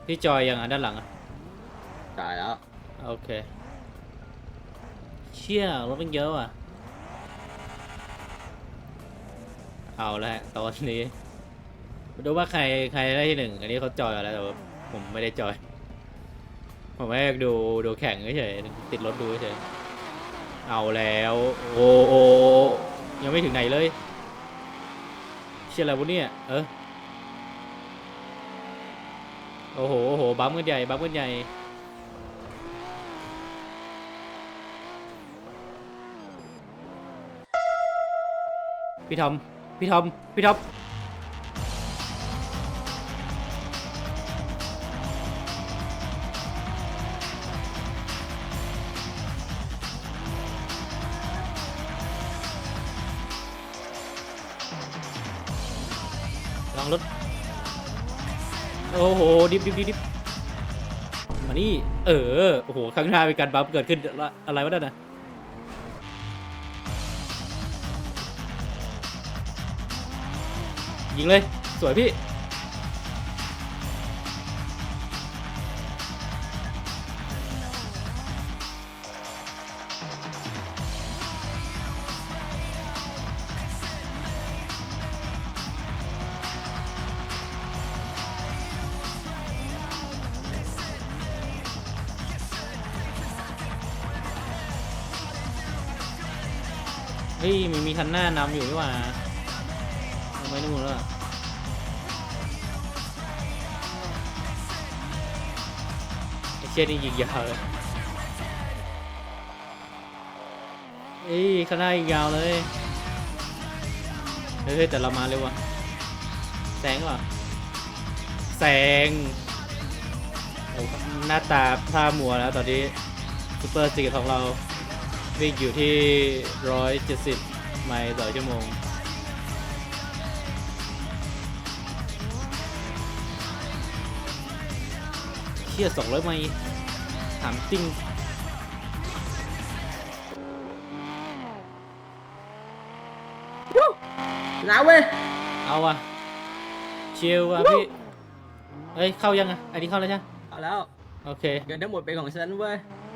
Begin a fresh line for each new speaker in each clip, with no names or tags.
พี่จอยยังด้านหลังอ่ะ
จ่ายแล้ว
โอเคเชี่ยรถมันเยอะว่ะเอาแล้วตอนนี้มาดูว่าใครได้ที่หนึ่งอันนี้เขาจอยแล้วแต่ว่าผมไม่ได้จอยผมแค่ดูแข่งเฉยๆติดรถดูเฉยเอาแล้วโอ้ยังไม่ถึงไหนเลยเชี่ยอะไรวะเนี่ยโอ้โหบัมกันใหญ่พี่ทอมลองรถโอ้โหดิบมานี่โอ้โหข้างหน้ามีการบัมเกิดขึ้นอะไรวะนั่นน่ะยิงเลยสวยพี่เฮ้ยมันมีคันหน้านำอยู่นี่หว่าทำไมนู่นแล้วไอ้เชี่ยนี่ยิงยาวเลยเฮ้ยข้างหน้ายิงยาวเลยเฮ้ยแต่เรามาเร็วว่ะแซงว่ะแซงโอ้หน้าตาท่ามัวแล้วตอนนี้ซูเปอร์ซีของเราวิ่งอยู่ที่170ไมล์ต่อชั่วโมงเชี่ย200ไมล์ถามจริง
น้าเว้ย
เอาว่ะชิลว่ะพี่เฮ้ยเข้ายังอ่ะอันนี้เข้าแล้วใช่ไหม
เอาแล้ว
โอเค
เงินทั้งหมดเป็นของฉันเว้ย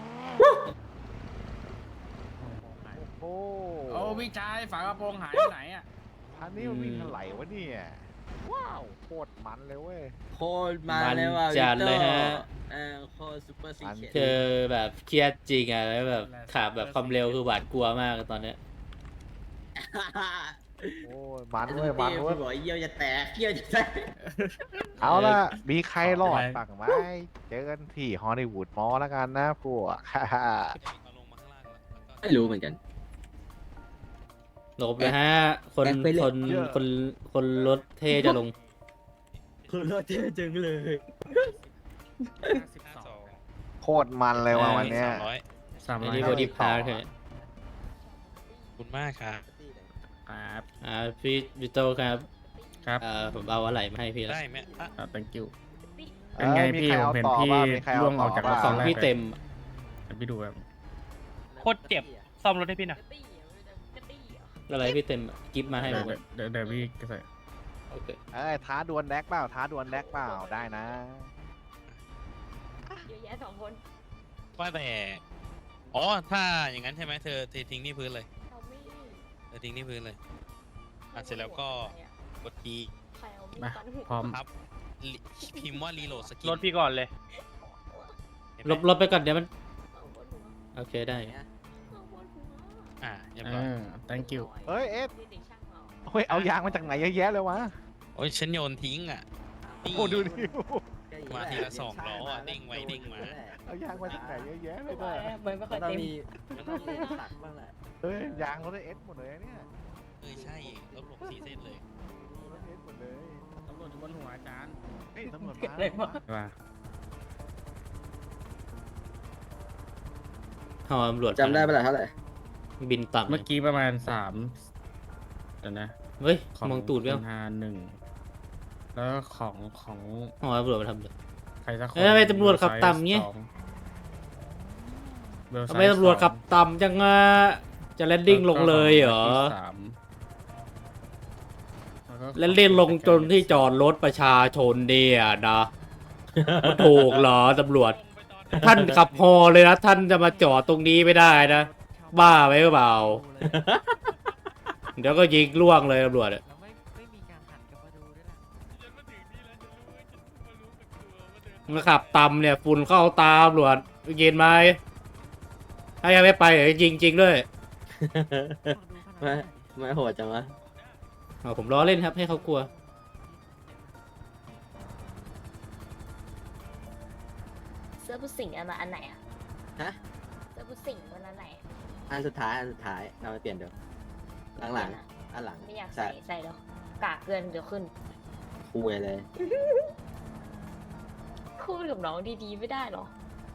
โอ้
โอ้พี่ชายฝากระโปรงหายไปไหนอ่ะ
อันนี้มันวิ่งเท่าไหร่วะเนี่ย ว้าวโคตรมันเลยเว้ย
โคตรมาเลยว่ะ
มันจัดเลยฮะ
โคตรซูเปอร์ซีเค
เจอแบบเครียดจริงอ่ะแล้วแบบขับแบบความเร็วคือหวาดกลัวมากตอนเนี้ย
โอ้ยมันเว้ยมันเว้ย
พี่บอกเยี่ยวจะแตกเยี่ยวจะแตก
เอาล่ะ มีใครรอดบ้างไหมเจอกันที่ฮอลลีวูดมอลล์แล้วกันนะพวก
ไม่รู้เหมือนกัน
หลบเลยฮะคน
แอคไปเลย
คนคนคนรถเท่จะลง
คุณรถเท่จังเลย
โคตรมันเลยว่ะวันเนี้ย
อัน
300
นี้บอดี้พาร์ทเลย
คุณมากครับ
ครับ
พี่โตครับ
ครับ
ผมเอาอะไรมาให้พี่แล้ว
ได้ไหมอ่ะ
thank you
เอ
เป็น
อ
ไง
มี
พี่
ใคร
ผม
เอา
เห็น
ต่อ
พี่
บ้างมีใครเอา
ร่วงอ
ต่
อกจาก
บ้าง
ของพี่เต็ม
เดี๋ยวพี่ดูแบบ
โคตรเจ็บ ซ่อมรถให้พี่หน่อย
อะไรพี่เต็มกิฟต์มาให้
เดี๋
ผ
ยว
ม
เดี๋ยวพี่ใส่
โอเค
เอ้ยท้าดวลแดกเปล่าท้าดวลแดกเปล่าได้นะ
เยอะแยะ2 คน
ว่าแต่ อ๋อ ถ้าอย่างนั้นใช่ไหมเธอทิ้งที่พื้นเลย
เขาไม่
เธอทิ้งที่พื้นเลย อ่ะเสร็จแล้วก็กด E
ใครเอามีด
มา
ฟันหัว
พร้อม
ครับพิมพ์ว่ารีโหลดสกิน
รถพี่ก่อนเลย
ลบไปก่อนเดี๋ยวมัน
เอาบนหัว
โอเคได้
เอาบนหัว
อ่ะเรียบร้อย
thank you
เฮ้ยเอฟ
เด็กๆช่างเอา
เฮ้ยเอายางมาจากไหนเยอะแยะเลยวะ
โอ้ยฉันโยนทิ้งอ่ะนี่
โอ้ดูดิ
มาทีละ2 ล้ออ่ะเด้งไว้เด้งมา
เอายางมาจากไหนเยอะแยะเลย
ไม่
เนี่ย
ไม่ค่อย
ต้อง
เต็ม
มีตักบ้างแหละ
เฮ้ยยางรถเอสหมดเลยเนี่ย
เออใช่รถผม4 เส้นเลย
รถเอสหมดเลย
ตำรวจอยู่บนหัวอาจารย์
เฮ้ยตำรวจ
เกิด
มา
อะไรวะ
ว่า
หอตำรวจ
จำได้ปะล่ะเท่าไหร่
บินต่ำ
เมื่อกี้ประมาณ3เดี๋ยวนะ
เฮ้ย
ของ
มองตูดเปล่า
คุณฮา1แล้วก็ของ
หอตำรวจมาทำเลย
ใครสักคน
เอ้ยทำไมตำรวจขับต่ำเงี้ย ทำไมตำรวจขับต่ำจังอะจะแลนดิ้งลงเลยเหรอแลนดิ้งลงจนที่จอดรถประชาชนเนี่ยนะมันถูกเหรอตำรวจ ท่านขับฮอเลยนะท่านจะมาจอดตรงนี้ไม่ได้นะ บ้าไปหรือเปล่า เดี๋ยวก็ยิงล่วงเลยตำรวจอะ
แล้วไม่มีการหันกลับมาดูด้วยล่ะ
มันขับตำเนี่ยฝุ่นเข้าตาตำรวจยินไหมถ้ายังไม่ไปเดี๋ยวยิงจริงด้วย
ไม่โหดจังวะ
เอาผมล้อเล่นครับให้เขากลัว
เสื้อผู้สิงอันไหนอะ
ฮะ
เสื้อผู้สิงตัวนั้นไหน
อันสุดท้ายเราไปเปลี่ยนเดี๋ยวหลังอันหลัง
ไม่อยากใส่แล้วกากเกินเดี๋ยวขึ้น
คุยเลย
พูดกับน้องดีๆไม่ได้หรอ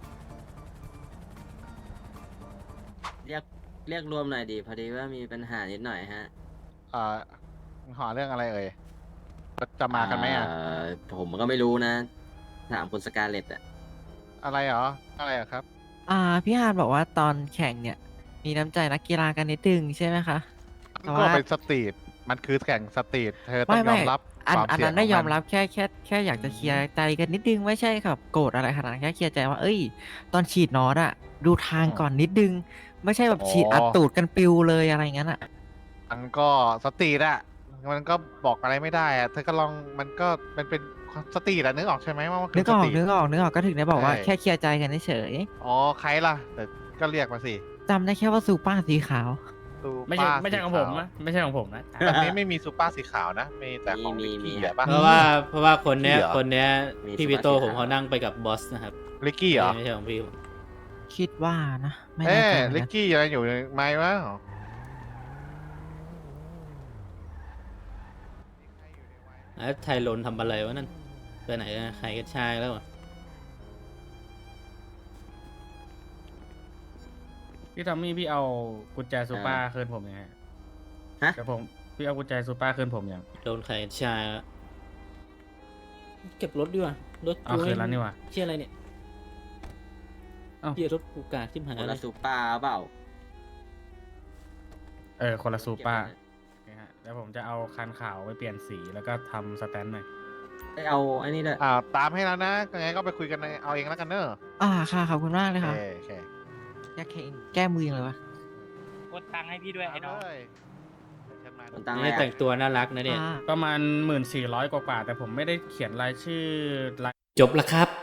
เรียกรวมหน่อยดีพอดีว่ามีปัญหานิดหน่อยฮะ
หอเรื่องอะไรเอ่ยจะมากันไหมอ่ะ
ผมก็ไม่รู้นะ ถามคุณสกาเลตอะ
อะไรเหรออะไรเหรอครับ
พี่ฮานบอกว่าตอนแข่งเนี่ย มีน้ำใจนักกีฬากันนิดนึงใช่ไหมคะ แต่
ก็
ว่า
เป็นสตรีทมันคือแข่งสตรีทเธอต้อ
ไม่
งย
ไม่
อมรับ
อัน
ความ
อัน
เสี่ยง
นั้นได้
ขง
ยอ
มั
มรับแค่อยากจะเคลียร์ใจกันนิดนึงไม่ใช่ครับโกรธอะไรขนาดนั้นแค่เคลียร์ใจว่าเอ้ย ตอนฉีดน็อตอะดูทางก่อนนิดนึง ไม่ใช่แบบฉีดอัดตูดกันปิวเลยอะไรอย่างนั้นอะ
มันก็สตรีทอ่ะมันก็บอกอะไรไม่ได้อ่ะเธอก็ลองมันก็มันเป็นสตรีทอ่ะนึกออกใช่ไหมว่ามันคื
นึ
อก ส
ออก
ตรีท
นึกออกก็ถึงได้บอกว่า
ใช่
แค่เคลียร์ใจกันเฉย
อ๋อใครล่ะแต่ก็เรียกมาสิ
จำได้แค่ว่าซูป้าสีขาว
ซู
ไม่
เป
ใช่
อร์
ไม่ใช่ของ
สี
ผม
ขาว
นะไม่ใช่ของผมนะ
แบบนี้ไม่มีซูเปอร์สีขาวนะมีแต่ของ
มี
ลิกกี้
มี
อ่ะป่ะ
เพราะว่าคนเนี้ย
พี่เหรอ
คนเนี้ย
มี
พี่
สมาชิก
วิโต้ผม
ขาว
เขานั่งไปกับบอสนะครับ
ลิกกี้เหรอ
ไม่ใช่ของพี่ผม
คิดว่านะไม่
เอ๊
แน่ใจเหมือน
ลิ
กั
ก
น
กี้อะไรอยู่ในไม้วะ
แล้วไทยลนทำอะไรวะนั่นไปไหนกันใครกันชายแล้วอะ
พี่ทอมมี่พี่เอากุญแจซูเปอร์คืนผมยังไง
ฮะ
แต่ผมพี่เอากุญแจซูเปอร์คืนผมยัง
โดนใครกันชายแล้วเก็บรถดีกว่ารถ
เอาคืนแล้วนี่หว่า
เชี่ยอะไรเนี่ย
เอ้า
เชี่ยรถกูกาดที่หาย
คน
เล
ละ
ย
ซูเปอร์เปล่า
คนละซูเปอร์นะฮะแล้วผมจะเอาคันขาวไปเปลี่ยนสีแล้วก็ทำสแตนด์หน่อย
เอาไอ้นี่ด้วย
ตามให้แล้วนะยังไงก็ไปคุยกันเอาเองแล้วกันเนอะ
ค่ะขอบคุณมากเลย
โอ
ค่ะ
เคโอเค
อยากแก้มือยังเลยวะ
กดตังค์ให้พี่ด้วยไอ้น้อง
เยเชิญมา
คนตังค์
นี่
ให้
แต่งตัวน่ารักนะเนี่ย
อ่า
ประมาณ 1400 กว่าๆแต่ผมไม่ได้เขียนรายชื่อราย
จบแล้วครับ